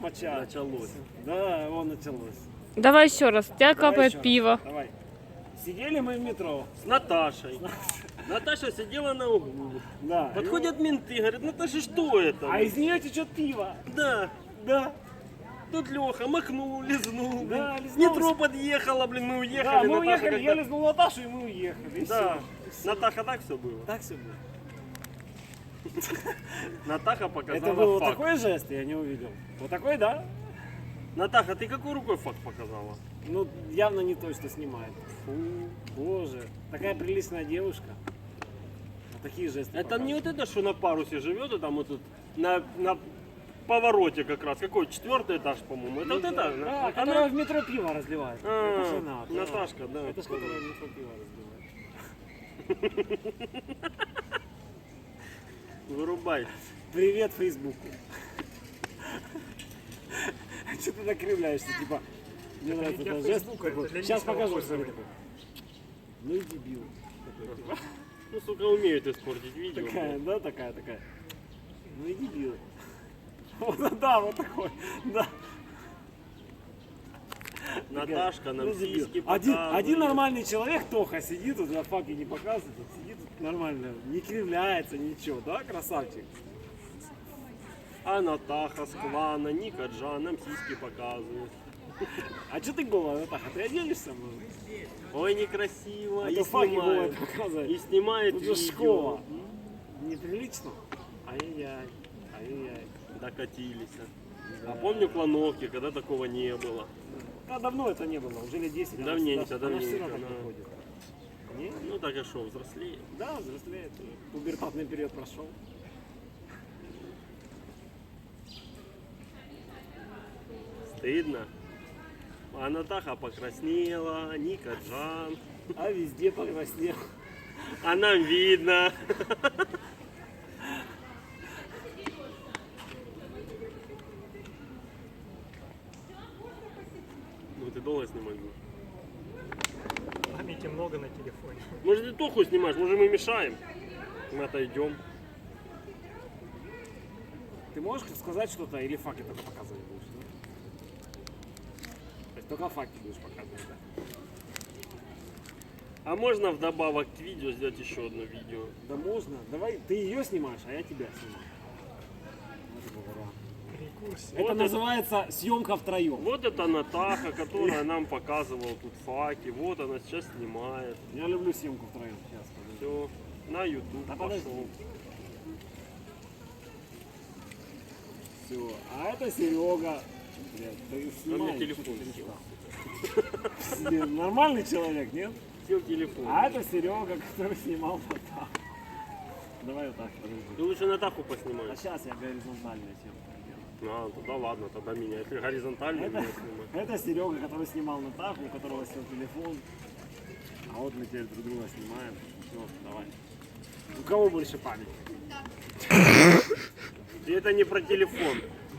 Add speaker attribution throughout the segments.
Speaker 1: моча.
Speaker 2: Началось.
Speaker 1: Да, он началось.
Speaker 3: Давай еще раз. У тебя
Speaker 1: Давай
Speaker 3: капает
Speaker 1: еще раз.
Speaker 3: пиво.
Speaker 1: Давай. Сидели мы в метро.
Speaker 2: С Наташей. Наташа сидела на углу.
Speaker 1: Да.
Speaker 2: Подходят менты, говорят, Наташа, что это?
Speaker 1: А из нее течет пиво.
Speaker 2: Да.
Speaker 1: Да.
Speaker 2: Тут Леха макнул, лизнул.
Speaker 1: Да,
Speaker 2: блин.
Speaker 1: лизнул.
Speaker 2: Метро подъехало, блин, мы уехали.
Speaker 1: Да, мы
Speaker 2: Наташа
Speaker 1: уехали,
Speaker 2: как-то-
Speaker 1: я лизнул Наташу, и мы уехали. И
Speaker 2: Да.
Speaker 1: всё.
Speaker 2: Натаха, так все было.
Speaker 1: Так все было.
Speaker 2: Натаха показала
Speaker 1: Это был вот
Speaker 2: факт.
Speaker 1: такой жест, я не увидел. Вот такой, да?
Speaker 2: Натаха, ты какой рукой факт показала?
Speaker 1: Ну, явно не то, что снимает. Фу, боже. Такая приличная девушка. Вот такие жесты.
Speaker 2: Это не
Speaker 1: показывает.
Speaker 2: вот это, что на парусе живет, и там вот тут на повороте как раз. Какой? 4-й этаж, по-моему. Это вот это?
Speaker 1: Да,
Speaker 2: Она?
Speaker 1: которая в метро пиво разливает.
Speaker 2: А,
Speaker 1: Это же она, да.
Speaker 2: Наташка, да.
Speaker 1: Это ж которая в метро пиво разливает.
Speaker 2: Вырубай.
Speaker 1: Привет Фейсбуку. Что ты накривляешься, типа, мне нравится
Speaker 4: для
Speaker 1: этот жест.
Speaker 4: Фейсбука, это для
Speaker 1: Сейчас
Speaker 4: личного
Speaker 1: покажу,
Speaker 4: пользования.
Speaker 1: смотри такой. Ну и дебил. Такой, типа.
Speaker 2: Ну, сука, умеют испортить видео.
Speaker 1: Такая, да, такая. Ну и дебил. Вот, да, вот такой, да.
Speaker 2: Наташка нам
Speaker 1: Ну, дебил.
Speaker 2: сиськи
Speaker 1: один
Speaker 2: показывает.
Speaker 1: нормальный человек, Тоха, сидит тут, на факе не показывает, тут сидит тут нормально, не кривляется, ничего, да, красавчик?
Speaker 2: А Натаха с клана, Ника Джан нам сиськи показывает.
Speaker 1: А что ты голая, Натаха, ты оденешься, может?
Speaker 2: Ой, некрасиво.
Speaker 1: А
Speaker 2: И
Speaker 1: то факи голая
Speaker 2: снимает.
Speaker 1: показывает.
Speaker 2: И снимает
Speaker 1: Тут же
Speaker 2: видео.
Speaker 1: школа. Неприлично. Ай-яй-яй, ай-яй-яй.
Speaker 2: Докатились. А помню клановки, когда такого не было.
Speaker 1: Да, давно это не было, уже лет 10.
Speaker 2: Давненько,
Speaker 1: она все
Speaker 2: давненько,
Speaker 1: равно так
Speaker 2: да.
Speaker 1: не ходит. Не?
Speaker 2: Ну так и шо, взрослее.
Speaker 1: Да, взрослеет. Пубертатный период прошел.
Speaker 2: Стыдно. А Натаха покраснела, Ника Джан.
Speaker 1: А везде покраснел.
Speaker 2: А нам видно. Ну ты долго снимать будешь?
Speaker 4: Памяти много на телефоне.
Speaker 2: Может ты Тоху снимаешь, может мы мешаем? Мы отойдем.
Speaker 1: Ты можешь сказать что-то или факи только показывать будешь? Да? То есть только факи будешь показывать, да?
Speaker 2: А можно вдобавок к видео сделать еще одно видео?
Speaker 1: Да можно. Давай, ты ее снимаешь, а я тебя снимаю. Вот это вариант.
Speaker 4: Перекурсе.
Speaker 1: Это
Speaker 2: Вот
Speaker 1: называется съемка втроем.
Speaker 2: Вот это Натаха, которая нам показывала тут факи. Вот она сейчас снимает.
Speaker 1: Я люблю съемку втроем. Сейчас, подожди.
Speaker 2: Все, на YouTube
Speaker 1: Да подожди.
Speaker 2: пошел.
Speaker 1: Все. А это Серега. Блядь, ты снимаешь,
Speaker 2: телефон
Speaker 1: что ты
Speaker 2: сел.
Speaker 1: перестал? Нормальный человек, нет?
Speaker 2: Сел телефон.
Speaker 1: А это Серега, который снимал вот так. Давай вот так, подожди.
Speaker 2: Ты лучше Натаху
Speaker 1: А
Speaker 2: поснимай.
Speaker 1: сейчас я горизонтальную съемку делаю.
Speaker 2: А, тогда ладно, тогда меня. Если горизонтально,
Speaker 1: Это,
Speaker 2: меня снимай.
Speaker 1: это Серега, который снимал Натаху, у которого сел телефон. А вот мы теперь друг друга снимаем. Все, давай. У кого больше памяти?
Speaker 2: И это не про телефон.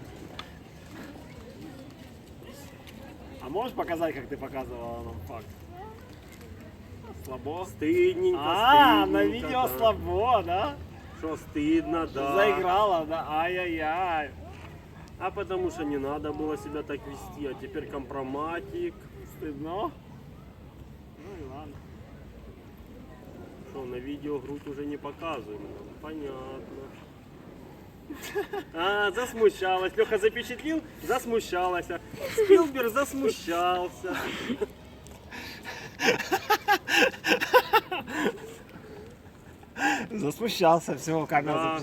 Speaker 1: А можешь показать, как ты показывала нам факт? Слабо?
Speaker 2: Стыдненько,
Speaker 1: А, на
Speaker 2: стыдненько,
Speaker 1: видео
Speaker 2: да.
Speaker 1: слабо, да?
Speaker 2: Что стыдно, да.
Speaker 1: Заиграла, да? Ай-яй-яй.
Speaker 2: А потому что не надо было себя так вести, а теперь компроматик.
Speaker 1: Стыдно? Ну и ладно.
Speaker 2: Что, на видео грудь уже не показываем. Понятно. А, засмущалась. Леха запечатлил, засмущалась. Спилберг засмущался.
Speaker 1: Засмущался, все, камера
Speaker 2: Да.